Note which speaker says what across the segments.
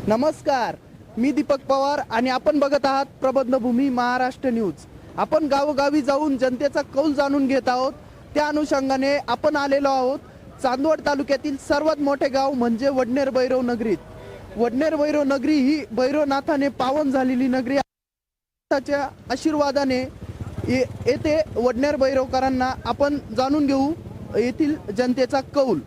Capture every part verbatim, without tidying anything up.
Speaker 1: नमस्कार, मी दीपक पवार आणि आपण बघत आहात प्रबंधभूमी महाराष्ट्र न्यूज। आपण गावोगावी जाऊन जनतेचा कौल जाणून घेत आहोत। त्या अनुषंगाने आपण आलेलो आहोत चांदवड तालुक्यातील सर्वात मोठे गाव म्हणजे वडनेर भैरव नगरीत। वडनेर भैरव नगरी ही भैरवनाथाने पावन झालेली नगरी त्याच्या आशीर्वादाने येथे वडनेर भैरवकरांना आपण जाणून घेऊ येथील जनतेचा कौल।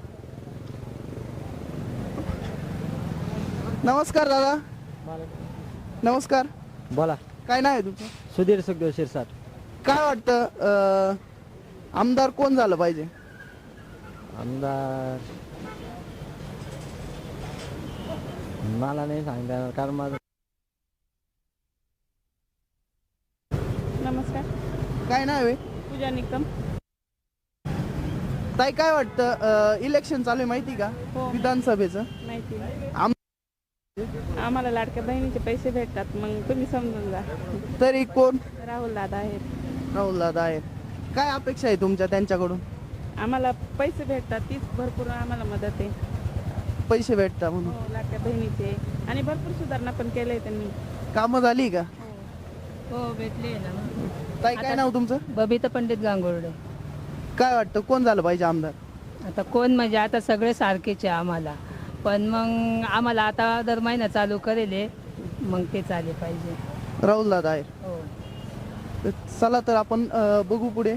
Speaker 1: नमस्कार दादा। नमस्कार,
Speaker 2: बोला।
Speaker 1: काय नाव आहे तुमचं?
Speaker 2: सुधीर सुखदेव शिरसाट।
Speaker 1: काय वाटतं आमदार कोण झालं पाहिजे?
Speaker 2: आमदार मला नाही सांगता येणार कारण माझं।
Speaker 3: नमस्कार,
Speaker 1: काय नाव आहे?
Speaker 3: पूजा निकम।
Speaker 1: ताई काय वाटतं इलेक्शन चालू आहे माहिती का?
Speaker 3: हो,
Speaker 1: विधानसभेचं
Speaker 3: माहिती।
Speaker 1: आम
Speaker 3: आम्हाला लाडक्या बहिणीचे पैसे भेटतात, मग तुम्ही समजून जा।
Speaker 1: तरी कोण?
Speaker 3: राहुल दादा आहेत।
Speaker 1: राहुल दादा आहेत। काय अपेक्षा आहे तुमच्या त्यांच्याकडून?
Speaker 3: आम्हाला पैसे भेटतात, तीच भरपूर आम्हाला मदत आहे।
Speaker 1: पैसे भेटतात म्हणून
Speaker 3: हो, लाडक्या बहिणीचे आणि भरपूर सुधारणा पण केले त्यांनी।
Speaker 1: कामं झाली का?
Speaker 4: हो, भेटले ना।
Speaker 1: ताई काय नाव तुमचं?
Speaker 4: बबिता पंडित गांगुर्डे।
Speaker 1: काय वाटतं कोण झालं पाहिजे आमदार?
Speaker 4: आता कोण म्हणजे आता सगळे सारखेच आहे आम्हाला, पण मग आम्हाला आता दर महिना चालू करेल मग ते चाले पाहिजे।
Speaker 1: राहुल दादा आहे।
Speaker 4: हो,
Speaker 1: तर चला तर आपण अ, बघू पुढे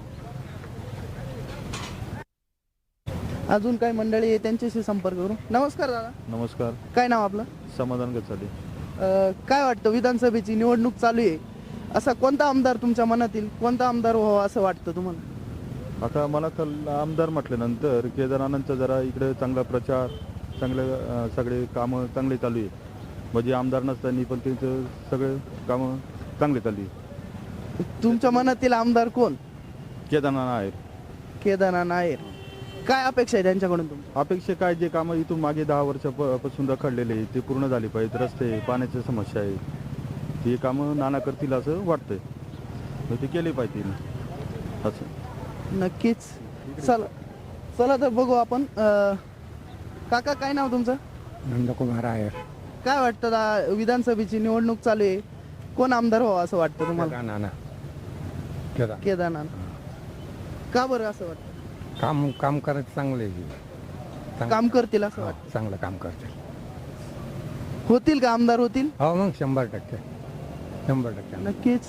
Speaker 1: अजून काही मंडळी आहे त्यांच्याशी संपर्क करू। नमस्कार दादा।
Speaker 5: नमस्कार,
Speaker 1: काय नाव आपलं?
Speaker 5: समाधान गचाले।
Speaker 1: अ, काय वाटतं विधानसभेची निवडणूक चालू आहे, असा कोणता आमदार तुमच्या मनातील कोणता आमदार व्हावा असं वाटतं तुम्हाला?
Speaker 5: आता मला तर आमदार म्हटल्यानंतर केदारनाथांचा जरा इकडे चांगला प्रचार, चांगले अं, सगळे कामं चांगले चालू आहे। म्हणजे आमदार नसताना पण त्यांचं सगळे कामं चांगले चालू आहे।
Speaker 1: तुमच्या मनातील आमदार कोण?
Speaker 5: केदारनाथ आहे।
Speaker 1: केदारनाथ नायर। काय अपेक्षा आहे त्यांच्याकडून तुमची?
Speaker 5: अपेक्षा काय, जे कामं इथून मागे दहा वर्षापासून रखडलेले आहे ते पूर्ण झाले पाहिजेत। रस्ते, पाण्याची समस्या आहे, ते कामं नाना करतील असं वाटतंय, तर ते केले पाहिजे असं।
Speaker 1: नक्कीच। चला चला तर बघू आपण। अ, काका काय नाव तुमचं?
Speaker 6: नंदकुमार आहे।
Speaker 1: काय वाटतं दा- विधानसभेची निवडणूक चालू आहे, कोण आमदार व्हावा असं वाटतं तुम्हाला?
Speaker 6: नाना केदार
Speaker 1: केदारनाथ। का बरं असं वाटतं?
Speaker 6: काम काम करायचं चांगले,
Speaker 1: काम करतील असं वाटतं?
Speaker 6: चांगलं काम करते।
Speaker 1: होतील का आमदार होतील?
Speaker 6: हो, मग शंभर टक्के शंभर टक्के
Speaker 1: नक्कीच।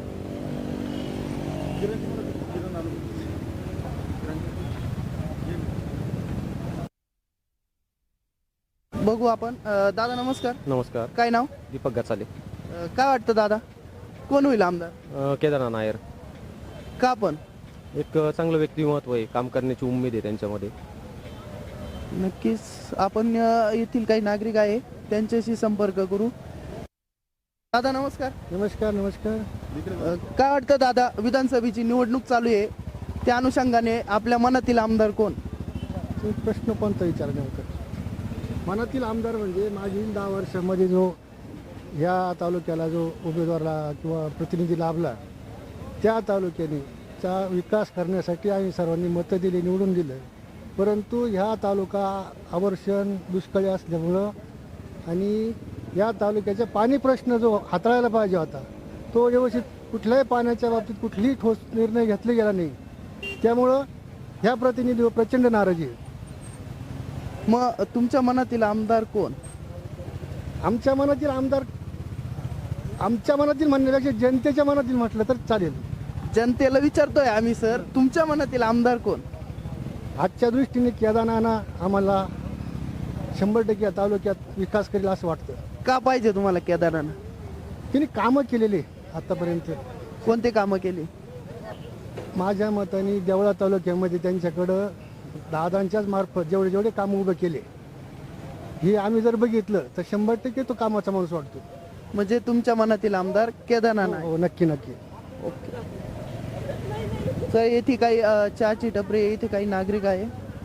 Speaker 1: बघू आपण। अ, दादा नमस्कार।
Speaker 7: नमस्कार,
Speaker 1: काय नाव?
Speaker 7: दीपक गचाले।
Speaker 1: अ, काय वाटतं दादा कोण होईल आमदार?
Speaker 7: अ, केदारनाथ नायर
Speaker 1: का पण?
Speaker 7: एक चांगलं व्यक्तिमत्व आहे, काम करण्याची उमेद आहे त्यांच्यामध्ये।
Speaker 1: नक्कीच आपण अ, येथील काही नागरिक आहे त्यांच्याशी संपर्क करू। दादा नमस्कार।
Speaker 6: नमस्कार नमस्कार।
Speaker 1: अ, काय वाटतं दादा विधानसभेची निवडणूक चालू आहे, त्या अनुषंगाने आपल्या मनातील आमदार कोण?
Speaker 6: प्रश्न कोणता विचारण्याचा? मनातील आमदार म्हणजे मागील दहा वर्षामध्ये जो ह्या तालुक्याला जो उमेदवारला किंवा प्रतिनिधी लाभला, त्या तालुक्याने चा विकास करण्यासाठी आम्ही सर्वांनी मतं दिली, निवडून दिलं। परंतु ह्या तालुका अवर्षण दुष्काळी असल्यामुळं आणि या तालुक्याचा पाणी प्रश्न जो हाताळायला पाहिजे होता तो व्यवस्थित कुठल्याही पाण्याच्या बाबतीत कुठलीही ठोस निर्णय घेतला गेला नाही, त्यामुळं ह्या प्रतिनिधीवर प्रचंड नाराजी आहे।
Speaker 1: मग तुमच्या मनातील आमदार कोण?
Speaker 6: आमच्या मनातील आमदार आमच्या मनातील म्हणण्यापेक्षा जनतेच्या मनातील म्हटलं तर चालेल।
Speaker 1: जनतेला विचारतोय आम्ही सर, तुमच्या मनातील आमदार कोण?
Speaker 6: आजच्या दृष्टीने केदारनाथ आम्हाला शंभर टक्के या तालुक्यात विकास करेल असं वाटतं।
Speaker 1: का पाहिजे तुम्हाला केदारनाथ?
Speaker 6: त्यांनी कामं केलेले आतापर्यंत।
Speaker 1: कोणते कामं केली?
Speaker 6: माझ्या मताने देवळा तालुक्यामध्ये त्यांच्याकडं दादांच्याच मार्फत जेवढे जेवढे कामं उभे केले हे आम्ही जर बघितलं तर शंभर टक्के तो कामाचा माणूस वाटतो।
Speaker 1: म्हणजे तुमच्या मनातील आमदार केदारनाथ आहे?
Speaker 6: हो, नक्की नक्की।
Speaker 1: ओके। तर येथे काही अ, चहाची टपरी आहे, इथे काही नागरिक आहे,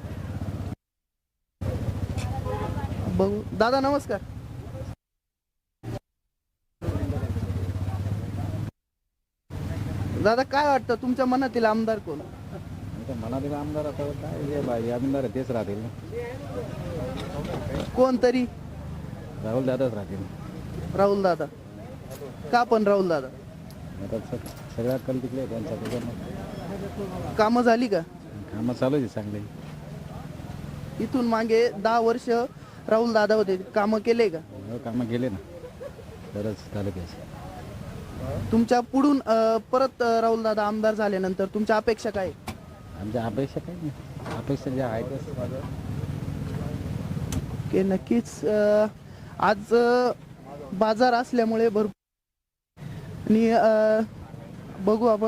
Speaker 1: बघू। दादा नमस्कार। दादा काय वाटतं तुमच्या मनातील आमदार कोण?
Speaker 2: मनातील आमदार आता काय जे बाई आमदार तेच राहतील।
Speaker 1: कोणतरी
Speaker 2: राहुल दादाच राहतील.
Speaker 1: राहुल दादा का पण राहुल दादा
Speaker 2: आता स- सगळ्यात कल तिकडे आहे त्यांचा त्याच्यामुळे
Speaker 1: कामं झाली का
Speaker 2: कामं चालू आहे चांगले.
Speaker 1: इथून मागे दहा वर्ष राहुल दादा होते कामं केले का
Speaker 2: हो, कामं गेले ना बरंच तालुक्याचे.
Speaker 1: तुमच्या पुढून अं, परत अं, राहुल दादा आमदार झाल्यानंतर तुमच्या अपेक्षा काय आहे?
Speaker 2: आमच्या अपेक्षा काही नाही, अपेक्षा ज्या आहेत माझं.
Speaker 1: की नक्कीच अं, आज अं, बाजार असल्यामुळे भरपूर आणि अं, बघू आपण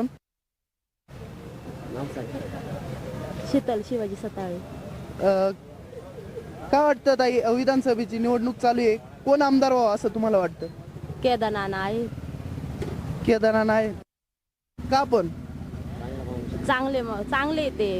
Speaker 8: शीतल शिवाजी सताळे.
Speaker 1: अं, काय वाटतं ताई विधानसभेची निवडणूक चालू आहे कोण आमदार व्हावं असं तुम्हाला वाटतं?
Speaker 8: केदारनाथ आहे.
Speaker 1: केदारनाथ आहे का पण
Speaker 8: चांगले म- चांगले ते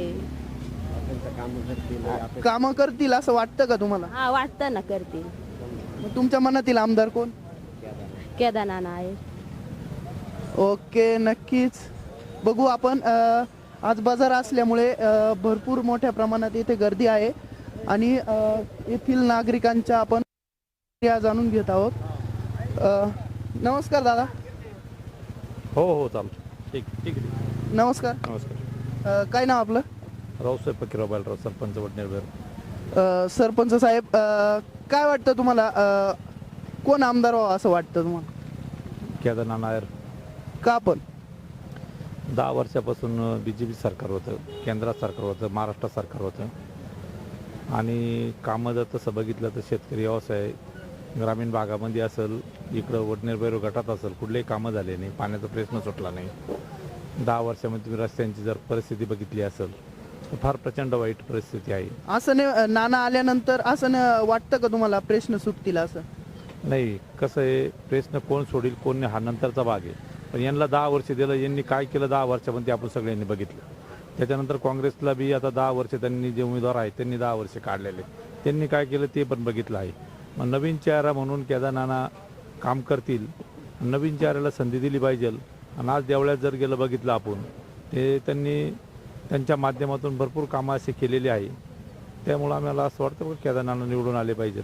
Speaker 1: कामं करतील असं वाटतं का तुम्हाला?
Speaker 8: हा वाटतं ना करतील.
Speaker 1: मग तुमच्या मनातील आमदार कोण?
Speaker 8: केदारनाथ आहे.
Speaker 1: ओके नक्कीच बघू आपण अ, आज बाजार असल्यामुळे अ, भरपूर मोठ्या प्रमाणात इथे गर्दी आहे आणि अ, येथील नागरिकांच्या आपण प्रतिक्रिया जाणून घेत आहोत. अ, नमस्कार दादा.
Speaker 5: हो हो चालतं ठीक ठीक आहे.
Speaker 1: नमस्कार.
Speaker 5: नमस्कार.
Speaker 1: अ, काय नाव आपलं?
Speaker 5: रावसाहेब फकीराव बालराव सरपंच वडनेर.
Speaker 1: अ, सरपंच साहेब अ, काय वाटतं तुम्हाला अ, कोण आमदार व्हावं असं वाटतं तुम्हाला?
Speaker 5: केदारनाथ नायर.
Speaker 1: का पण
Speaker 5: दहा वर्षापासून बी जे पी सरकार होतं, केंद्रात सरकार होतं, महाराष्ट्र सरकार होतं आणि कामं जर तसं बघितलं तर शेतकरी व्यवसाय ग्रामीण भागामध्ये असेल, इकडं वडनेर बैरो गटात असेल, कुठलेही कामं झाले नाही, पाण्याचा प्रश्न सुटला नाही. दहा वर्षामध्ये तुम्ही रस्त्यांची जर परिस्थिती बघितली असेल तर फार प्रचंड वाईट परिस्थिती आहे.
Speaker 1: असं नाही नाना आल्यानंतर असं नाही वाटतं का तुम्हाला प्रश्न सुटतील असं?
Speaker 5: नाही, कसं आहे, प्रश्न कोण सोडील कोण नाही हा नंतरचा भाग आहे. पण यांना दहा वर्ष दिलं, यांनी काय केलं दहा वर्षामध्ये आपण सगळ्यांनी बघितलं. त्याच्यानंतर काँग्रेसला बी आता दहा वर्ष त्यांनी जे उमेदवार आहेत त्यांनी दहा वर्ष काढलेले, त्यांनी काय केलं ते पण बघितलं आहे. मग नवीन चेहरा म्हणून केदारनाना काम करतील, नवीन चेहऱ्याला संधी दिली पाहिजे. आणि आज देवळ्यात जर गेलं बघितलं आपण ते त्यांनी त्यांच्या माध्यमातून भरपूर कामं असे केलेली आहे. त्यामुळं आम्हाला असं वाटतं की केदारनाना निवडून आले पाहिजे.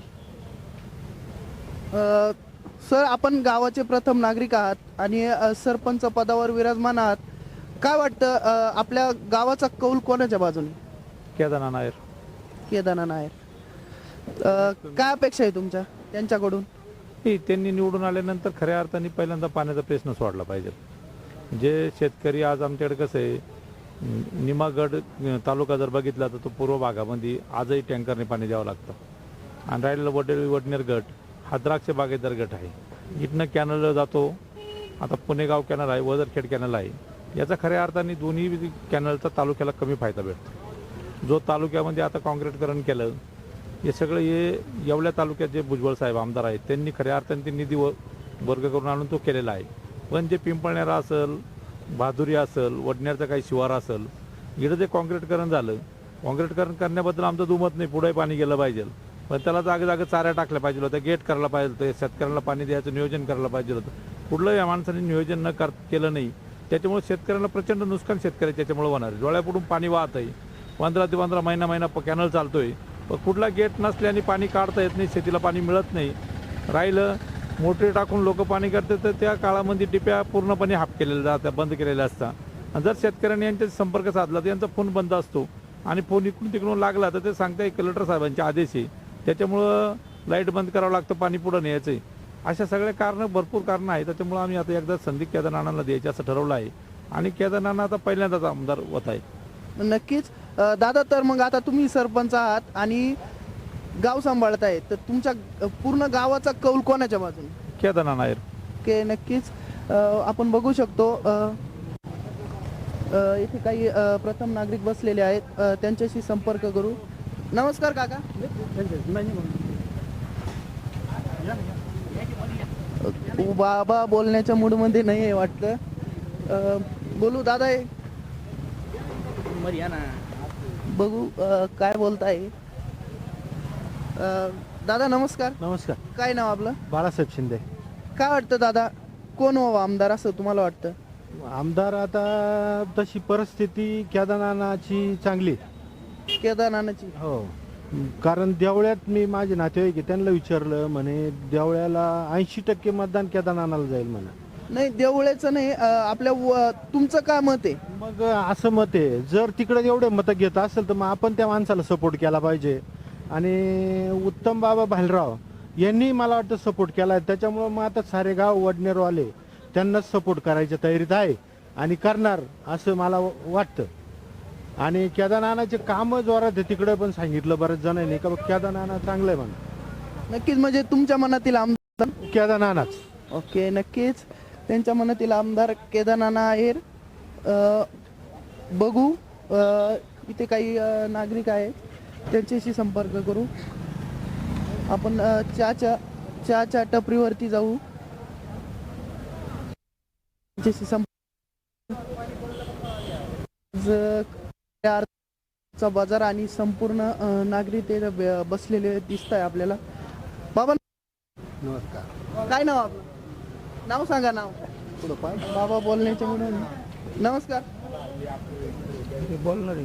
Speaker 1: अ, सर आपण गावाचे प्रथम नागरिक आहात आणि अ, सरपंच पदावर विराजमान आहात. काय वाटतं अ, आपल्या गावाचा कौल कोणाच्या बाजूने?
Speaker 5: केदारनाथ नायर.
Speaker 1: केदारनाथ नायर. अ, काय अपेक्षा आहे तुमच्या त्यांच्याकडून?
Speaker 5: नाही, त्यांनी निवडून आल्यानंतर खऱ्या अर्थाने पहिल्यांदा पाण्याचा प्रश्न सोडला पाहिजे. जे शेतकरी आज आमच्याकडे कसं आहे, निमागड तालुका जर बघितला तर तो पूर्व भागामध्ये आजही टँकरने पाणी द्यावं लागतं. आणि राहिलेला वडेल वडनेर गट हा द्राक्ष बागेदार गट आहे. इथनं कॅनलला जातो, आता पुणेगाव कॅनल आहे, वजरखेड कॅनल आहे. याचा खऱ्या अर्थाने दोन्ही कॅनलचा तालुक्याला कमी फायदा भेटतो. जो तालुक्यामध्ये आता काँक्रीटकरण केलं, हे सगळं हे येवल्या तालुक्यात जे भुजबळ साहेब आमदार आहेत त्यांनी खऱ्या अर्थाने ते निधी व वर्ग करून आणून तो केलेला आहे. पण जे पिंपळनेरा असेल, बहादुरी असेल, वडनेरचं काही शिवार असेल, इकडं जे काँक्रीटकरण झालं, काँक्रीटकरण करण्याबद्दल आमचं दुमत नाही, पुढे पाणी गेलं पाहिजे. पण त्याला जागे जागे चाऱ्या टाकल्या पाहिजे होत्या, गेट करायला पाहिजे होतं, शेतकऱ्यांना पाणी द्यायचं नियोजन करायला पाहिजे होतं. कुठलंही या माणसाने नियोजन न कर केलं नाही. त्याच्यामुळे शेतकऱ्यांना प्रचंड नुकसान शेतकरी त्याच्यामुळे होणार आहे. डोळ्यापुढून पाणी वाहत आहे, पंधरा ते पंधरा महिना महिना कॅनल चालतोय, पण कुठला गेट नसल्याने पाणी काढता येत नाही, शेतीला पाणी मिळत नाही. राहिलं मोटरी टाकून लोक पाणी करतात तर त्या काळामध्ये टिप्या पूर्णपणे हाफ केलेल्या जात्या, बंद केलेल्या असतात. आणि जर शेतकऱ्यांनी यांच्या संपर्क साधला तर यांचा फोन बंद असतो आणि फोन इकडून तिकडून लागला तर ते सांगताय कलेक्टर साहेबांचे आदेश आहे, त्याच्यामुळं लाईट बंद करावं लागतं, पाणी पुढं न्यायचं आहे. अशा सगळे कारणं, भरपूर कारणं आहेत. त्याच्यामुळं आम्ही आता एकदा संधी केदारनाथांना द्यायचं असं ठरवलं आहे आणि केदारनाथ आता पहिल्यांदाच आमदार होत आहे.
Speaker 1: नक्कीच अ, दादा, तर मग आता तुम्ही सरपंच आहात आणि गाव सांभाळताय, तर तुमच्या अ, पूर्ण गावाचा कौल कोणाच्या बाजूने?
Speaker 5: केदारनाथ नायर.
Speaker 1: के नक्कीच अ, आपण बघू शकतो अ, अ, इथे काही अ, प्रथम नागरिक बसलेले आहेत, अ, त्यांच्याशी संपर्क करू. नमस्कार काका. अ, बाबा बोलण्याच्या मूडमध्ये नाही आहे वाटतं. अ, बोलू दादा आहे, बघू अ, काय बोलताय. अ, दादा नमस्कार.
Speaker 6: नमस्कार.
Speaker 1: काय नाव आपलं?
Speaker 6: बाळासाहेब शिंदे.
Speaker 1: काय वाटतं दादा, कोण व्हावं आमदार असं तुम्हाला वाटतं?
Speaker 6: आमदार आता तशी परिस्थिती केदारनाथाची चांगली.
Speaker 1: केदारनाथाची.
Speaker 6: हो, कारण देवळ्यात मी माझे नातेवाईक आहे त्यांना विचारलं म्हणे देवळ्याला ऐंशी टक्के मतदान केदारनाथाला जाईल म्हणा.
Speaker 1: नाही देवळ्याचं नाही, अ, आपल्या व- तुमचं काय मत आहे?
Speaker 6: मग असं मत आहे जर तिकडे एवढे मतं घेत असेल तर मग आपण त्या माणसाला सपोर्ट केला पाहिजे. आणि उत्तम बाबा भालराव यांनी मला वाटतं सपोर्ट केला आहे, त्याच्यामुळं मग आता सारे गाव वडनेरवाले त्यांनाच सपोर्ट करायच्या तयारीत आहे आणि करणार असं मला वाटतं. आणि केदारनाथाचे कामं जोरात आहे तिकडे, पण सांगितलं बऱ्याच जणांनी का केदारनाथ चांगलं आहे म्हणून.
Speaker 1: नक्कीच, म्हणजे तुमच्या मनातील आमदार
Speaker 6: केदारनाथ
Speaker 1: ओके, नक्कीच त्यांच्या मनातील आमदार केदारनाथ आहेर. अ, बघू अ, इथे काही अ, नागरिक आहेत त्यांच्याशी संपर्क करू. आपण अ, चहाच्या चहाच्या टपरीवरती जाऊ, त्यांच्याशी संपर्क. चा बाजार आणि संपूर्ण अ, नागरिक ते ब- बसलेले दिसत आहे आपल्याला. बाबा
Speaker 6: नमस्कार.
Speaker 1: काय नाव आपलं? नाव सांगा, नाव. बाबा बोलण्याच्या मुळे नमस्कार.
Speaker 2: बोलणार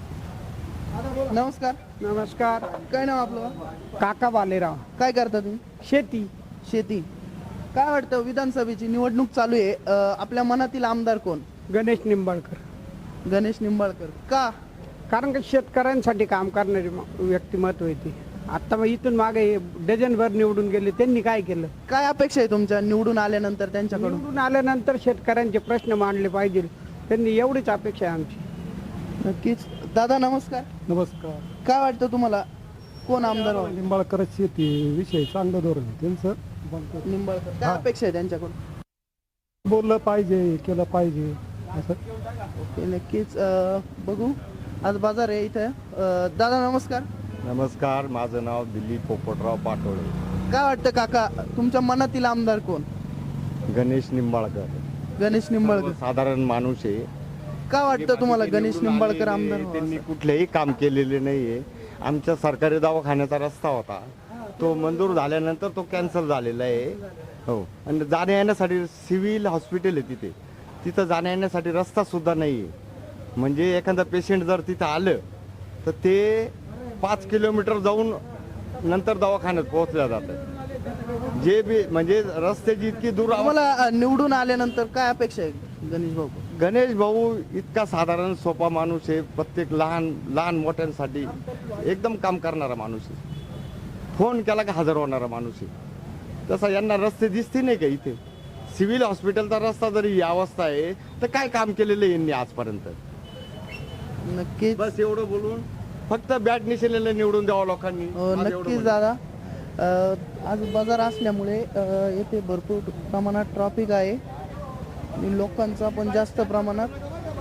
Speaker 1: नमस्कार.
Speaker 9: नमस्कार.
Speaker 1: काय नाव आपलं?
Speaker 9: काका बालेराव.
Speaker 1: काय करता तुम्ही?
Speaker 9: शेती.
Speaker 1: शेती. काय वाटतं विधानसभेची निवडणूक चालू आहे, अ, आपल्या मनातील आमदार कोण?
Speaker 9: गणेश निंबाळकर.
Speaker 1: गणेश निंबाळकर. का?
Speaker 9: कारण का शेतकऱ्यांसाठी काम करणारी म- व्यक्तिमत्व आहे ती. आता मग इथून मागे डझनभर निवडून गेले, त्यांनी काय केलं?
Speaker 1: काय अपेक्षा आहे तुमच्या निवडून आल्यानंतर त्यांच्याकडून?
Speaker 9: निवडून आल्यानंतर शेतकऱ्यांचे प्रश्न मांडले पाहिजे, त्यांनी एवढीच अपेक्षा आहे आमची.
Speaker 1: नक्कीच. दादा नमस्कार.
Speaker 6: नमस्कार.
Speaker 1: काय वाटतं तुम्हाला कोण आमदार व्हावं?
Speaker 6: निंबाळकर शेती विषय चांगलं धोरण आहे त्यांचं.
Speaker 1: निंबाळकर. काय अपेक्षा आहे त्यांच्याकडून?
Speaker 6: बोललं पाहिजे, केलं पाहिजे असं.
Speaker 1: ओके, नक्कीच. अ, बघू आज बाजार आहे इथं. अ, दादा नमस्कार.
Speaker 5: नमस्कार, माझं नाव दिलीप पोपटराव पाटोळे.
Speaker 1: काय वाटतं काका तुमच्या मनातील आमदार कोण?
Speaker 5: गणेश निंबाळकर.
Speaker 1: गणेश निंबाळकर.
Speaker 5: साधारण माणूस आहे.
Speaker 1: काय वाटतं तुम्हाला गणेश
Speaker 5: निवडून
Speaker 1: निंबाळकर
Speaker 5: आलेले,
Speaker 1: आमदार व्हावं
Speaker 5: त्यांनी
Speaker 1: असं?
Speaker 5: कुठलेही काम केलेले नाहीये. आमच्या सरकारी दवाखान्याचा रस्ता होता, तो मंजूर झाल्यानंतर तो कॅन्सल झालेला आहे. हो, आणि जाण्या येण्यासाठी सिव्हिल हॉस्पिटल आहे तिथे, तिथं जाण्या येण्यासाठी रस्ता सुद्धा नाही आहे. म्हणजे एखादा पेशंट जर तिथं आलं तर ते पाच किलोमीटर जाऊन नंतर दवाखान्यात पोहोचल्या जातं. जे बी म्हणजे रस्त्याची इतकी दूर आव-
Speaker 1: तुम्हाला अ, निवडून आल्यानंतर काय अपेक्षा आहे गणेश भाऊ?
Speaker 5: गणेश भाऊ इतका साधारण सोपा माणूस आहे. प्रत्येक लहान लहान मोठ्यांसाठी एकदम काम करणारा माणूस आहे. फोन केला का हजर होणारा माणूस आहे. तसा यांना रस्ते दिसते नाही का इथे? सिव्हिल हॉस्पिटलचा रस्ता जरी ही अवस्था आहे तर काय काम केलेलं आहे यांनी आजपर्यंत?
Speaker 1: नक्कीच.
Speaker 5: बस एवढं बोलून फक्त बॅट निशेलेलं निवडून द्यावं लोकांनी.
Speaker 1: अ,
Speaker 5: आज एवढं
Speaker 1: नक्कीच
Speaker 5: म्हणणं.
Speaker 1: दादा. अ, आज बाजार असल्यामुळे अ, येथे भरपूर प्रमाणात ट्रॉफिक आहे आणि लोकांचा पण जास्त प्रमाणात.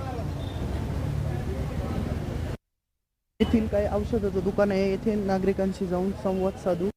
Speaker 1: येथील काही औषधाचं दुकान आहे, येथे नागरिकांशी जाऊन संवाद साधू.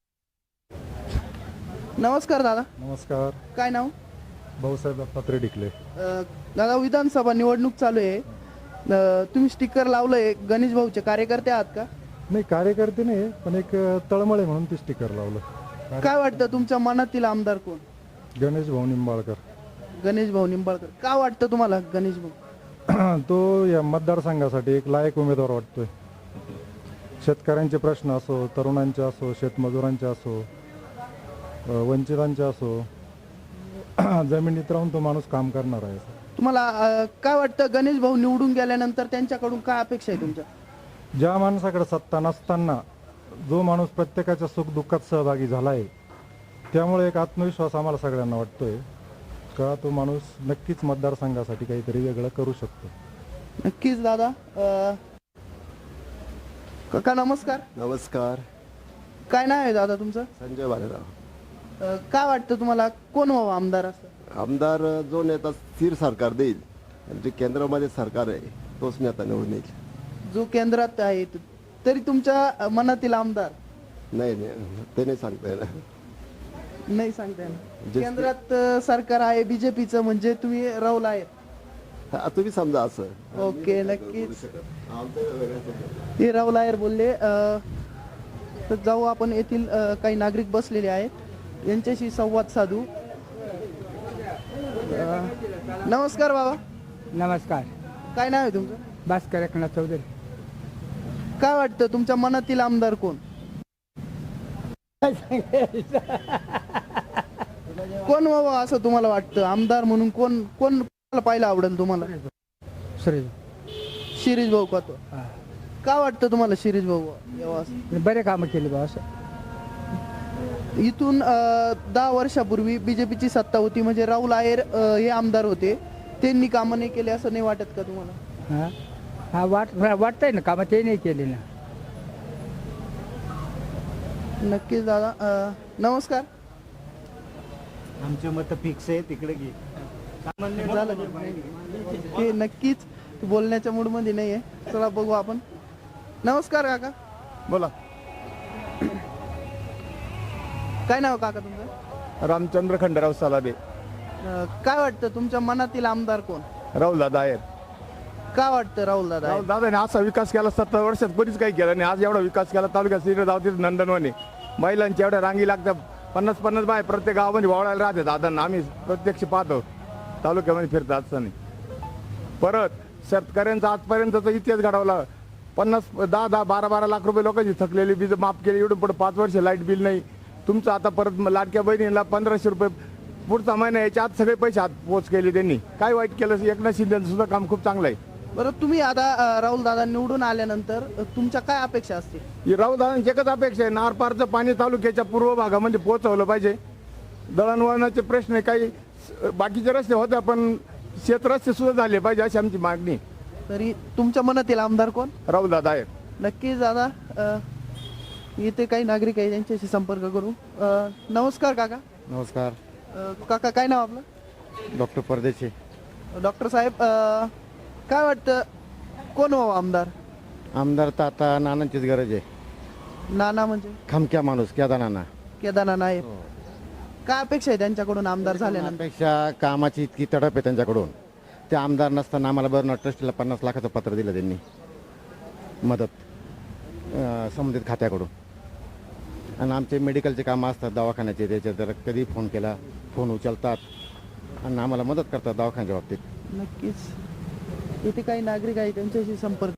Speaker 1: नमस्कार दादा.
Speaker 6: नमस्कार.
Speaker 1: काय नाव?
Speaker 6: भाऊसाहेब पत्रे डिकले.
Speaker 1: अ, दादा विधानसभा निवडणूक चालू आहे, अ, तुम्ही स्टिकर लावलंय, गणेश भाऊचे कार्यकर्ते आहात का?
Speaker 6: नाही, कार्यकर्ते नाही, पण एक तळमळे म्हणून ते स्टिकर लावलं.
Speaker 1: काय वाटतं तुमच्या मनातील आमदार कोण?
Speaker 6: गणेश भाऊ निंबाळकर.
Speaker 1: गणेश भाऊ निंबाळकर. का वाटतं तुम्हाला गणेश भाऊ?
Speaker 6: तो या मतदारसंघासाठी एक लायक उमेदवार वाटतोय. शेतकऱ्यांचे प्रश्न असो, तरुणांचे असो, शेतमजुरांचे असो, अ, वंचितांचे असो, जमिनीत राहून तो माणूस काम करणार आहे.
Speaker 1: तुम्हाला अ, काय वाटतं गणेश भाऊ निवडून गेल्यानंतर त्यांच्याकडून काय अपेक्षा आहे तुमच्या?
Speaker 6: ज्या माणसाकडे सत्ता नसताना जो माणूस प्रत्येकाच्या सुखदुःखात सहभागी झाला आहे, त्यामुळे एक आत्मविश्वास आम्हाला सगळ्यांना वाटतोय का तो माणूस नक्कीच मतदारसंघासाठी काहीतरी वेगळं करू शकतो.
Speaker 1: नक्कीच दादा. अ, काका नमस्कार.
Speaker 10: नमस्कार.
Speaker 1: काय नाव आहे दादा तुमचं?
Speaker 10: संजय भालेराव.
Speaker 1: अ, काय वाटतं तुम्हाला कोण व्हावं आमदार असं?
Speaker 10: आमदार जो नेता स्थिर सरकार देईल आणि जे केंद्रामध्ये सरकार आहे तोच नेता निवडून येईल.
Speaker 1: जो केंद्रात आहे त- तरी तुमच्या मनातील आमदार?
Speaker 10: नाही नाही ते नाही सांगता येणार.
Speaker 1: नाही सांगता येणार.
Speaker 10: जे-
Speaker 1: केंद्रात अ, सरकार आहे बीजेपीचं, म्हणजे तुम्ही राहुल आहेत.
Speaker 10: हा, तुम्ही समजा असं.
Speaker 1: ओके, नक्कीच.
Speaker 10: आमचं वेगळं समजा.
Speaker 1: हे राहुल आयर बोलले. अ, तर जाऊ आपण येथील अ, काही नागरिक बसलेले आहेत यांच्याशी संवाद साधू. अ, नमस्कार बाबा.
Speaker 9: नमस्कार.
Speaker 1: काय नाव आहे तुमचं?
Speaker 9: भास्कर एकनाथ चौधरी.
Speaker 1: काय वाटतं तुमच्या मनातील आमदार कोण? कोण व्हावं असं तुम्हाला वाटतं? आमदार म्हणून कोण कोण कोणाला पाहायला आवडेल तुम्हाला? शिरीष भाऊ कातो. का वाटतं तुम्हाला शिरीष भाऊ यावं असं?
Speaker 9: बरे कामं केले बा असं.
Speaker 1: इथून अं, दहा वर्षापूर्वी बीजेपीची सत्ता होती, म्हणजे राहुल आहेर अं, हे आमदार होते, त्यांनी कामं नाही केले असं नाही वाटत का तुम्हाला?
Speaker 9: हा हा वाट वाटतंय ना कामं ते नाही केले ना.
Speaker 1: नक्कीच दादा. अं, नमस्कार.
Speaker 2: आमचे मत फिक्स आहे तिकडे घे.
Speaker 1: झालं ते नक्कीच बोलण्याच्या मूड मध्ये नाहीये. चला बघू आपण. नमस्कार काका.
Speaker 5: बोला.
Speaker 1: काय नाव काका तुमचं?
Speaker 5: रामचंद्र खंडराव सालाबे.
Speaker 1: अं, काय वाटतं तुमच्या मनातील आमदार कोण?
Speaker 5: राहुल दादा आहेर.
Speaker 1: का वाटतं राहुल दादा?
Speaker 5: राहुल दादाने असा विकास केला, सत्तर वर्षात कोणीच काही केला नाही. आज एवढा विकास केला तालुक्यात श्रीराम गावतील नंदनवने. महिलांच्या एवढ्या रांगी लागतात, पन्नास पन्नास बाय प्रत्येक गावामध्ये वावळायला राहते दादांना. आम्ही प्रत्यक्ष पाहतो तालुक्यामध्ये फिरत असताना. परत शेतकऱ्यांचा आजपर्यंतचा इतिहास घडवला. पन्नास दहा दहा बारा बारा लाख रुपये लोकांची थकलेली वीज माफ केली. एवढं पुढे पाच वर्ष लाईट बिल नाही तुमचं. आता परत लाडक्या बहिणीला पंधराशे रुपये पुढचा महिना याच्या आत सगळे पैसे हात पोच केले त्यांनी. काय वाईट केलं? एकनाथ शिंदेचं सुद्धा काम खूप चांगलं आहे.
Speaker 1: बरं, तुम्ही आता राहुल दादा निवडून आल्यानंतर अं, तुमच्या काय अपेक्षा असतील?
Speaker 5: ही राहुल दादांची एकच अपेक्षा आहे, नारपारचं पाणी तालुक्याच्या पूर्व भागामध्ये पोहोचवलं पाहिजे. दळणवळणाचे प्रश्न काही बाकीचे रस्ते होते, पण शेत रस्ते सुद्धा झाले पाहिजे अशी आमची मागणी.
Speaker 1: तरी तुमच्या मनातील आमदार कोण?
Speaker 5: राहुल दादा आहेत.
Speaker 1: नक्कीच दादा. अं, इथे काही नागरिक आहे, त्यांच्याशी संपर्क करू. अं, नमस्कार काका.
Speaker 2: नमस्कार.
Speaker 1: अं, काका काय नाव आपलं?
Speaker 2: डॉक्टर परदेशी.
Speaker 1: डॉक्टर साहेब, अं, काय वाटतं कोण व्हावं आमदार?
Speaker 2: आमदार तर आता नानांचीच गरज आहे.
Speaker 1: नाना म्हणजे
Speaker 2: खमक्या माणूस केदार नाना.
Speaker 1: केदारनाथ नाईक. काय अपेक्षा आहे त्यांच्याकडून आमदार झाल्यानंतर?
Speaker 2: पेक्षा कामाची इतकी तडप आहे त्यांच्याकडून. ते आमदार नसताना आम्हाला बर्नर ट्रस्टीला पन्नास लाखाचं पत्र दिलं त्यांनी मदत अं, संबंधित खात्याकडून. आणि आमचे मेडिकलचे कामं असतात दवाखान्याचे, त्याच्यात जर कधी फोन केला फोन उचलतात आणि आम्हाला मदत करतात दवाखान्याच्या बाबतीत.
Speaker 1: नक्कीच इथे काही नागरिक आहे, त्यांच्याशी संपर्क.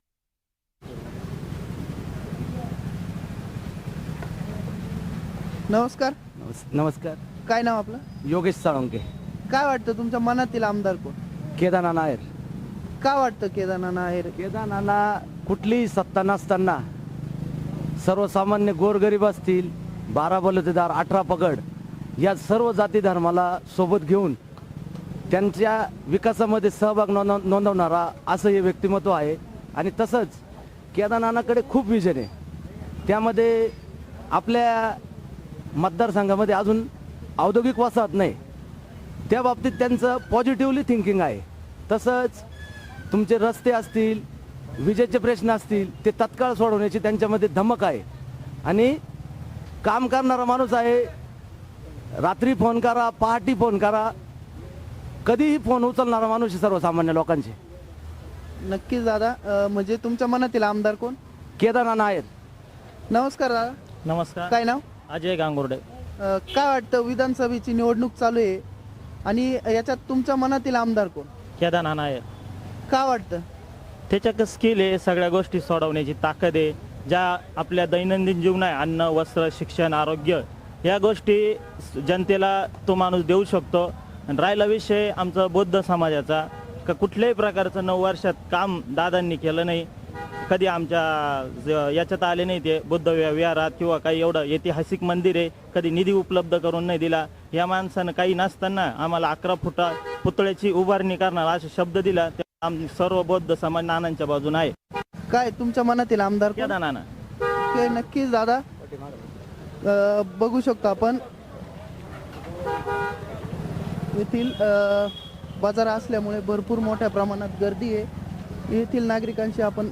Speaker 1: नमस्कार.
Speaker 9: नमस्कार.
Speaker 1: काय नाव आपलं?
Speaker 9: योगेश साळुंके.
Speaker 1: काय वाटतं तुमच्या मनातील आमदार कोण?
Speaker 9: केदारनाथ नायर.
Speaker 1: का वाटतं केदारनाथ आहेर?
Speaker 9: केदारनाथला कुठलीही सत्ता नसताना सर्वसामान्य गोरगरीब असतील, बारा बलुतेदार, अठरा पगड या सर्व जाती धर्माला सोबत घेऊन त्यांच्या विकासामध्ये सहभाग नोंदव नोंदवणारा असं हे व्यक्तिमत्व आहे. आणि तसंच केदारनाथाकडे खूप विजन आहे. त्यामध्ये आपल्या मतदारसंघामध्ये अजून औद्योगिक वसाहत नाही, त्या बाबतीत त्यांचं पॉझिटिव्हली थिंकिंग आहे. तसंच तुमचे रस्ते असतील, विजेचे प्रश्न असतील, ते तत्काळ सोडवण्याची त्यांच्यामध्ये धमक आहे. आणि काम करणारा माणूस आहे. रात्री फोन करा, पहाटे फोन करा, कधीही फोन उचलणारा माणूस आहे सर्वसामान्य लोकांचे.
Speaker 1: नक्कीच दादा. अं, म्हणजे तुमच्या मनातील आमदार कोण?
Speaker 9: केदारनाथ नायर.
Speaker 1: नमस्कार दादा.
Speaker 11: नमस्कार.
Speaker 1: काय नाव?
Speaker 11: अजय गांगुर्डे.
Speaker 1: अं, काय वाटतं विधानसभेची निवडणूक चालू आहे आणि याच्यात तुमच्या मनातील आमदार कोण?
Speaker 11: केदारनाथ नायर.
Speaker 1: का वाटतं?
Speaker 11: त्याच्यात स्किल आहे, सगळ्या गोष्टी सोडवण्याची ताकद आहे. ज्या आपल्या दैनंदिन जीवन आहे, अन्न, वस्त्र, शिक्षण, आरोग्य, या गोष्टी जनतेला तो माणूस देऊ शकतो. आणि राहिला विषय आमचा बौद्ध समाजाचा, का कुठल्याही प्रकारचं नऊ वर्षात काम दादांनी केलं नाही. कधी आमच्या ज- याच्यात आले नाही ते बुद्ध विहा- विहारात किंवा काही एवढं ऐतिहासिक मंदिर आहे, कधी निधी उपलब्ध करून नाही दिला. या माणसानं काही नसताना आम्हाला अकरा फुटा पुतळ्याची उभारणी करणार असा शब्द दिला. ते आम सर्व बौद्ध समाज नानांच्या बाजून आहे.
Speaker 1: काय तुमच्या मनातील आमदार कोण?
Speaker 11: केदार नाना.
Speaker 1: ते नक्कीच दादा. अं, बघू शकतो आपण येथील अं, बाजार असल्यामुळे भरपूर मोठ्या प्रमाणात गर्दी आहे. येथील नागरिकांशी आपण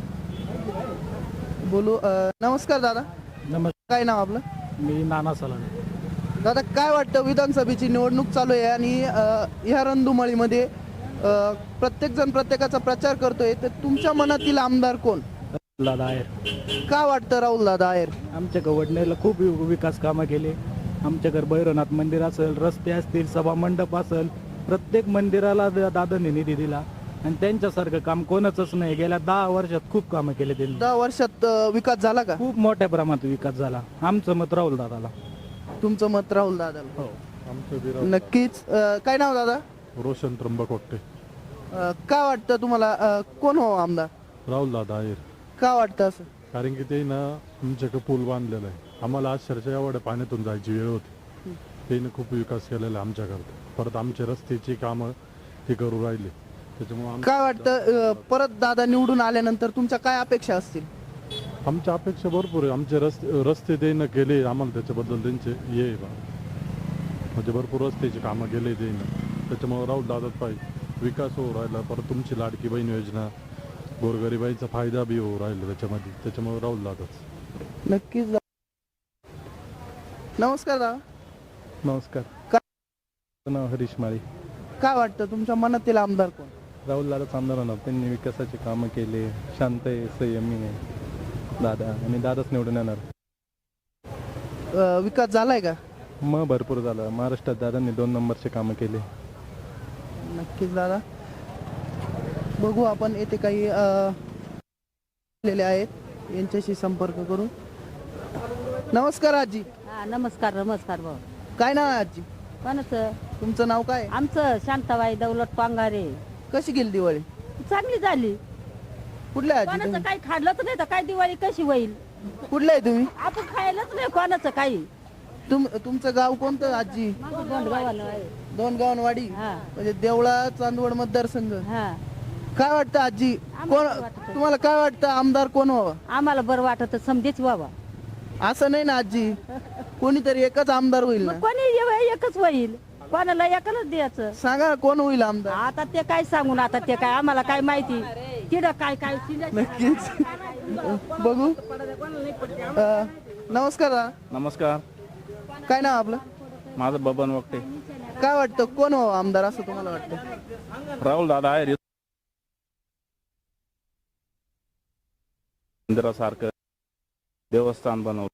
Speaker 1: बोलू. अं, नमस्कार दादा.
Speaker 9: नमस्कार.
Speaker 1: काय नाव आपलं?
Speaker 9: मी नाना सलाने.
Speaker 1: दादा, काय वाटतं विधानसभेची निवडणूक चालू आहे आणि अं, ह्या रणधुमाळीमध्ये अं, प्रत्येक जण प्रत्येकाचा प्रचार करतोय, तर तुमच्या मनातील आमदार कोण?
Speaker 9: दादा आहेर.
Speaker 1: का वाटतं राहुल दादा आहेर?
Speaker 9: आमच्या गवडनेला खूप वि- विकास कामं केले. आमच्याकडे भैरवनाथ मंदिर असेल, रस्ते असतील, सभा मंडप असेल, प्रत्येक मंदिराला दा- दादांनी निधी दिला.
Speaker 12: आणि त्यांच्यासारखं काम कोणाचंच नाही. गेल्या दहा वर्षात खूप कामं केले त्यांनी.
Speaker 1: दहा वर्षात अ, विकास झाला का?
Speaker 12: खूप मोठ्या प्रमाणात विकास झाला. आमचं मत राहुल दादाला.
Speaker 1: तुमचं मत राहुल दादाला?
Speaker 12: हो.
Speaker 1: नक्कीच. अ, काय नाव दादा?
Speaker 5: रोशन त्र्यंबक वाटते.
Speaker 1: अ, काय वाटतं तुम्हाला अ, कोण हो आमदार?
Speaker 5: राहुल दादा आहेर.
Speaker 1: का वाटतं असं?
Speaker 5: कारण की ते ना आमच्याकडे पूल बांधलेला आहे. आम्हाला अक्षरशः एवढ्या पाण्यातून जायची वेळ होती. त्याने खूप विकास केलेला आहे आमच्याकडे. परत आमच्या रस्त्याची कामं ते करू राहिले. त्याच्यामुळे
Speaker 1: काय वाटतं अ, परत दादा निवडून आल्यानंतर तुमच्या काय अपेक्षा असतील?
Speaker 5: आमच्या अपेक्षा भरपूर आहे. आमचे रस्ते रस्ते त्यानं केले, आम्हाला त्याच्याबद्दल त्यांचे हे आहे बा, म्हणजे भरपूर रस्त्याची कामं केले त्यानं. त्याच्यामुळे राहुल दादाच पाहिजे. विकास होऊ राहिला. परत तुमची लाडकी बहीण योजना, गोरगरिबाईचा फायदा बी होऊ राहिला त्याच्यामध्ये. त्याच्यामुळे राहुल दादाच.
Speaker 1: नक्कीच. नमस्कार दादा.
Speaker 12: नमस्कार.
Speaker 1: का-
Speaker 12: नाव हरीश माळी.
Speaker 1: काय वाटतं तुमच्या मनातील आमदार कोण?
Speaker 12: राहुल दादाच आमदार होणार. त्यांनी विकासाचे कामं केले. शांत आहे, संयमी आहे दादा, आणि दादाच निवडून येणार.
Speaker 1: अ, विकास झालाय का?
Speaker 12: मग भरपूर झालं. महाराष्ट्रात दादांनी दोन नंबरचे कामं केले.
Speaker 1: नक्कीच दादा. बघू आपण येथे काही अ, आलेले आहेत, यांच्याशी संपर्क करू. नमस्कार आजी.
Speaker 13: हा नमस्कार नमस्कार भाऊ.
Speaker 1: काय नाव आहे आजी?
Speaker 13: कोणाचं?
Speaker 1: तुमचं नाव काय?
Speaker 13: आमचं शांताबाई दौलत पांगारे.
Speaker 1: कशी गेली दिवाळी?
Speaker 13: चांगली झाली.
Speaker 1: कुठल्या आजी
Speaker 13: कोणाचं
Speaker 1: तुम्ही?
Speaker 13: काही खाल्लंच नाही तर काय दिवाळी कशी होईल?
Speaker 1: कुठल्या आहे तुम्ही?
Speaker 13: आपण खायलाच नाही कोणाचं काही.
Speaker 1: तुम तुमचं गाव कोणतं आजी?
Speaker 13: माझं गोंडगावाला आहे.
Speaker 1: दोन गावनवाडी,
Speaker 13: हा
Speaker 1: म्हणजे देवळा चांदवड मतदारसंघ.
Speaker 13: हा.
Speaker 1: काय वाटतं आजी? कोण
Speaker 13: आम्हाला वाटतं.
Speaker 1: तुम्हाला काय वाटतं आमदार कोण व्हावा?
Speaker 13: आम्हाला बरं वाटत समजेच व्हावा.
Speaker 1: असं नाही ना आजी, कोणीतरी एकच आमदार होईल ना.
Speaker 13: मग कोणी एव- एकच होईल. कोणाला एकालाच द्यायचं.
Speaker 1: सांगा ना, कोण होईल आमदार?
Speaker 13: आता ते काय सांगून, आता ते काय आम्हाला काय माहिती. तिथं काय काय
Speaker 1: नक्कीच. बघू. अ, नमस्कार दादा.
Speaker 11: नमस्कार.
Speaker 1: काय नाव आपलं?
Speaker 11: माझं बबन वक्ते.
Speaker 1: काय वाटतं कोण व्हावं आमदार असं तुम्हाला वाटतं?
Speaker 11: राहुल दादा आहे. मंदिरासारखं देवस्थान बनवलं.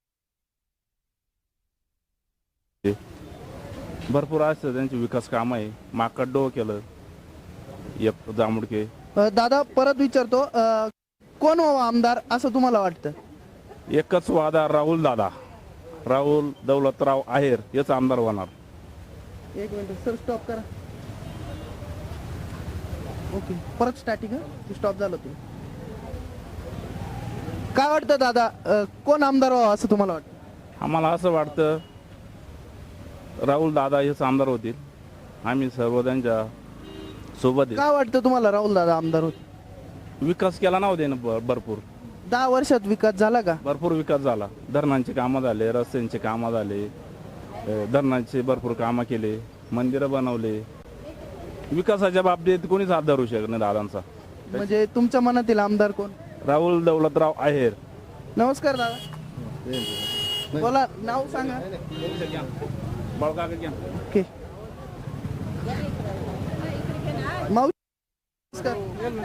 Speaker 11: भरपूर असतं त्यांची विकास काम आहे. माकडो केलं, एक जांभुडके.
Speaker 1: अ, दादा परत विचारतो, अ, कोण व्हावं आमदार असं तुम्हाला वाटतं?
Speaker 11: एकच वादा, राहुल दादा. राहुल दौलतराव आहेर हेच आमदार होणार.
Speaker 1: एक मिनिट सर, स्टॉप करा. ओके, परत स्टार्टिंग. स्टॉप झालं तुम्ही. काय वाटतं दादा, अ, कोण आमदार व्हावं असं तुम्हाला वाटतं?
Speaker 11: आम्हाला असं वाटतं राहुल दादा हेच आमदार होतील. आम्ही सर्व त्यांच्या सोबत आहे.
Speaker 1: काय वाटतं तुम्हाला राहुल दादा आमदार होते?
Speaker 11: विकास केला नव्हते ना भ- भरपूर
Speaker 1: दहा वर्षात विकास झाला का?
Speaker 11: भरपूर विकास झाला. धरणांची कामं झाले, रस्त्यांची कामं झाले, अ, धरणांचे भरपूर कामं केले, मंदिरं बनवले. विकासाच्या बाबतीत कोणीच हात धरू शकत नाही दादांचा.
Speaker 1: म्हणजे तुमच्या मनातील आमदार कोण?
Speaker 11: राहुल दौलतराव आहेर.
Speaker 1: नमस्कार दादा. बोला, नाव सांगा. ओके. मावशी नमस्कार.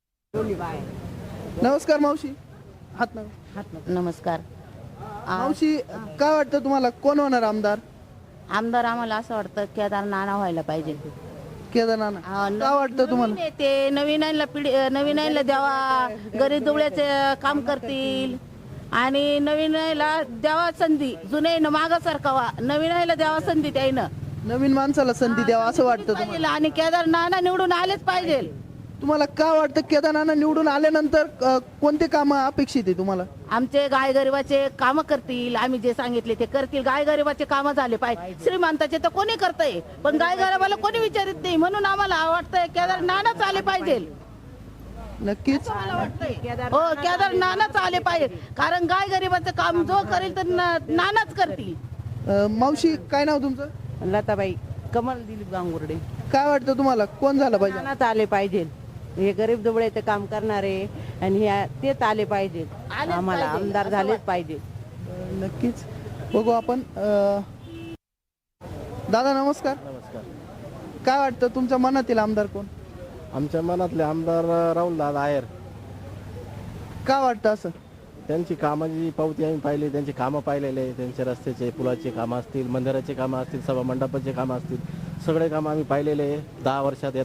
Speaker 1: नमस्कार मावशी. हात नाव.
Speaker 8: नमस्कार.
Speaker 1: मावशी, काय वाटतं तुम्हाला कोण होणार आमदार?
Speaker 8: आमदार आम्हाला असं वाटतं केदार नाना व्हायला पाहिजे.
Speaker 1: केदारनाथ.
Speaker 8: हा, न-
Speaker 1: काय वाटतं तुम्हाला?
Speaker 8: नवीन आहे ते नवीनांना पिढी नवीनांना द्यावा, गरीब दुबळ्याचे काम करतील आणि नवीनाला द्यावा संधी. जुन्यानं मागं सरकावा, नवीनाला द्यावा संधी. त्यानं
Speaker 1: नवीन माणसाला संधी द्यावा असं वाटतं तुम्हाला?
Speaker 8: पाहिजे आणि केदार नाना निवडून आलेच पाहिजे.
Speaker 1: तुम्हाला काय वाटतं केदारनाथ निवडून आल्यानंतर अ, कोणते काम अपेक्षित आहे तुम्हाला?
Speaker 8: आमचे गाय गरिबाचे काम करतील. आम्ही जे सांगितले ते करतील. गाय गरिबाचे काम झाले पाहिजे. श्रीमंताचे तर कोणी करतंय, पण गाय गरिबाला कोणी विचारित नाही. म्हणून आम्हाला वाटतंय केदार नानाच आले पाहिजे.
Speaker 1: नक्कीच.
Speaker 8: हो, केदार नानाच आले पाहिजे. कारण गाय गरिबाचं काम जो करेल तर ना- नानाच करतील.
Speaker 1: अ, मावशी, काय नाव तुमचं?
Speaker 13: लताबाई कमल दिलीप गांगुर्डे.
Speaker 1: काय वाटतं तुम्हाला कोण झालं पाहिजे?
Speaker 13: नानाच आले पाहिजे. हे गरीब दुबळेचे काम करणारे आणि हे तेच आले पाहिजे. आम्हाला आमदार झालेच पाहिजे.
Speaker 1: अ, नक्कीच. बघू आपण. अ, दादा नमस्कार.
Speaker 2: नमस्कार.
Speaker 1: काय वाटतं तुमच्या मनातील आमदार कोण?
Speaker 2: आमच्या मनातले आमदार राहुल दादा आहेर.
Speaker 1: काय वाटतं असं?
Speaker 2: त्यांची कामाची पावती आम्ही पाहिली, त्यांची कामं पाहिलेले. त्यांचे रस्त्याचे, पुलाचे कामं असतील, मंदिराचे कामं असतील, सभा मंडपाचे कामं असतील, सगळे कामं आम्ही पाहिलेले. दहा वर्षात येतात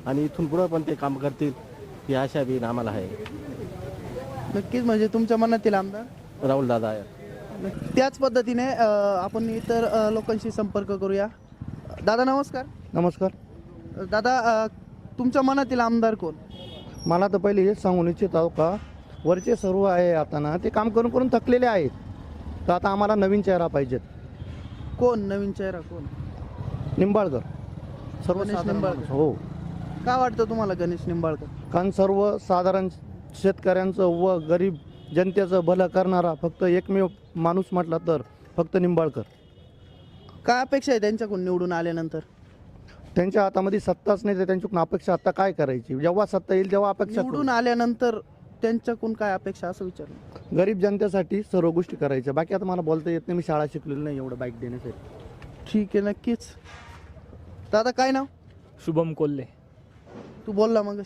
Speaker 7: आणि इथून पुढं पण ते काम करतील ही आशा बी आम्हाला आहे.
Speaker 1: नक्कीच म्हणजे तुमच्या मनातील आमदार
Speaker 7: राहुल दादा आहे.
Speaker 1: त्याच पद्धतीने अ, आपण इतर अ, लोकांशी संपर्क करूया. दादा नमस्कार.
Speaker 6: नमस्कार.
Speaker 1: दादा अ, तुमच्या मनातील आमदार कोण?
Speaker 6: मला तर पहिले हेच सांगून इच्छित आहो का वरचे सर्व आहे आता ना ते काम करून करून थकलेले आहेत. तर आता आम्हाला नवीन चेहरा पाहिजेत.
Speaker 1: कोण नवीन चेहरा कोण?
Speaker 6: निंबाळकर
Speaker 1: गणेश
Speaker 6: सर्वसाधारण
Speaker 1: निंबाळकर.
Speaker 6: माणूस. हो,
Speaker 1: काय वाटतं तुम्हाला गणेश निंबाळकर?
Speaker 6: कारण सर्वसाधारण शेतकऱ्यांचं व गरीब जनतेचं भलं करणारा फक्त एकमेव माणूस म्हटला तर फक्त निंबाळकर.
Speaker 1: काय अपेक्षा आहे त्यांच्याकडून निवडून आल्यानंतर?
Speaker 6: त्यांच्या हातामध्ये सत्ताच नाही तर त्यांच्याकडून अपेक्षा आता काय करायची? जेव्हा सत्ता येईल तेव्हा अपेक्षा
Speaker 1: निवडून आल्यानंतर त्यांच्याकडून काय अपेक्षा असं विचारलं.
Speaker 6: करू. गरीब जनतेसाठी सर्व गोष्टी करायच्या. बाकी आता मला बोलता येत नाही, मी शाळा शिकलेली नाही एवढं बाईक देण्यासाठी.
Speaker 1: ठीक आहे, नक्कीच. दादा काय नाव?
Speaker 14: शुभम कोल्हे.
Speaker 1: तू बोलला मग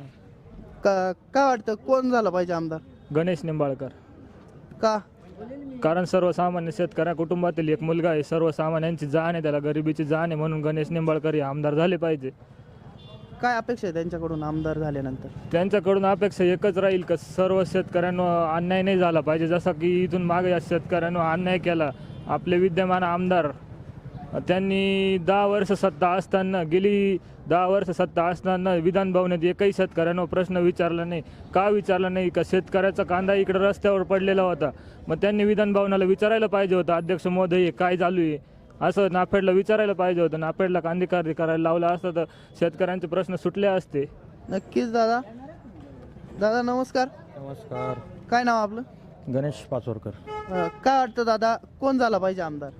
Speaker 1: का काय वाटतं कोण झालं पाहिजे आमदार?
Speaker 14: गणेश निंबाळकर.
Speaker 1: का?
Speaker 14: कारण सर्वसामान्य शेतकऱ्या कुटुंबातील एक मुलगा आहे, सर्वसामान्यांची जाण आहे, त्याला गरिबीची जाण आहे, म्हणून गणेश निंबाळकर हे आमदार झाले पाहिजे.
Speaker 1: काय अपेक्षा आहे त्यांच्याकडून आमदार झाल्यानंतर?
Speaker 14: त्यांच्याकडून अपेक्षा एकच राहील का सर्व शेतकऱ्यांवर अन्याय नाही झाला पाहिजे. जसा की इथून मागे या शेतकऱ्यांवर अन्याय केला आपले विद्यमान आमदार, त्यांनी दहा वर्ष सत्ता असताना गेली दहा वर्ष सत्ता असताना विधान भवनात एकही शेतकऱ्यांवर प्रश्न विचारला नाही. का विचारला नाही? का शेतकऱ्याचा कांदा इकडे रस्त्यावर पडलेला होता, मग त्यांनी विधान भवनाला विचारायला पाहिजे होतं, अध्यक्ष महोदय हे काय चालू आहे असं नाफेडला विचारायला पाहिजे होतं. नाफेडला कांदेकारी करायला लावला असतं तर शेतकऱ्यांचे प्रश्न सुटले असते.
Speaker 1: नक्कीच. दादा दादा नमस्कार.
Speaker 5: नमस्कार.
Speaker 1: काय नाव आपलं?
Speaker 5: गणेश पाचोरकर.
Speaker 1: अ, काय वाटतं दादा कोण झाला पाहिजे आमदार?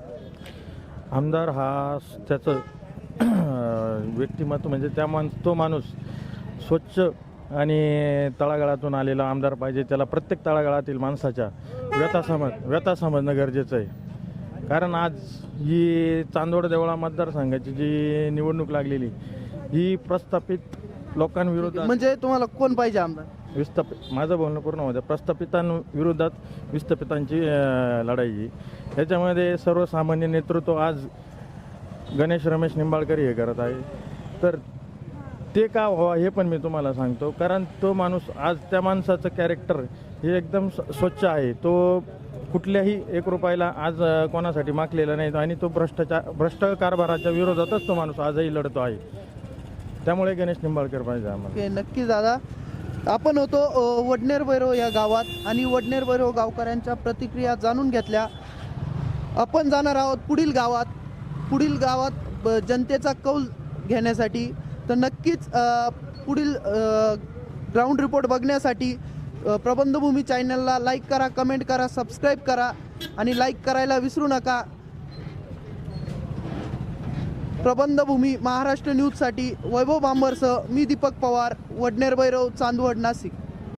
Speaker 5: आमदार हा त्याचं व्यक्तिमत्व म्हणजे त्या माणूस तो माणूस स्वच्छ आणि तळागाळातून आलेला आमदार पाहिजे. त्याला प्रत्येक तळागाळातील माणसाच्या व्यथा समज व्यथा समजणं गरजेचं आहे. कारण आज ही चांदवड देवळा मतदारसंघाची जी निवडणूक लागलेली ही प्रस्थापित लोकांविरोधात
Speaker 1: म्हणजे तुम्हाला कोण पाहिजे आमदार?
Speaker 5: विस्थापित माझं बोलणं पूर्ण होतं. प्रस्थापितांविरोधात विस्थापितांची अं, लढाई ही याच्यामध्ये सर्वसामान्य नेतृत्व आज गणेश रमेश निंबाळकर हे करत आहे. तर ते का व्हावं हे पण मी तुम्हाला सांगतो. कारण तो माणूस आज त्या माणसाचं कॅरेक्टर हे एकदम स्वच्छ आहे. तो कुठल्याही एक रुपयाला आज अं, कोणासाठी मागलेला नाही आणि तो भ्रष्टाचार भ्रष्ट कारभाराच्या विरोधातच तो माणूस आजही लढतो आहे. त्यामुळे गणेश निंबाळकर पाहिजे आम्हाला.
Speaker 1: ओके, नक्कीच दादा. आपण होतो अ, वडनेर भैरव या गावात आणि वडनेर भैरव गावकऱ्यांच्या प्रतिक्रिया जाणून घेतल्या. आपण जाणार आहोत पुढील गावात पुढील गावात ब- जनतेचा कौल घेण्यासाठी. तर नक्कीच अ, पुढील ग्राउंड रिपोर्ट बघण्यासाठी अ, प्रबंधभूमी चॅनलला लाईक करा, कमेंट करा, सबस्क्राईब करा आणि लाईक करायला विसरू नका. प्रबंधभूमी महाराष्ट्र न्यूजसाठी वैभव बांबरसह मी दीपक पवार, वडनेर भैरव, चांदवड, नाशिक.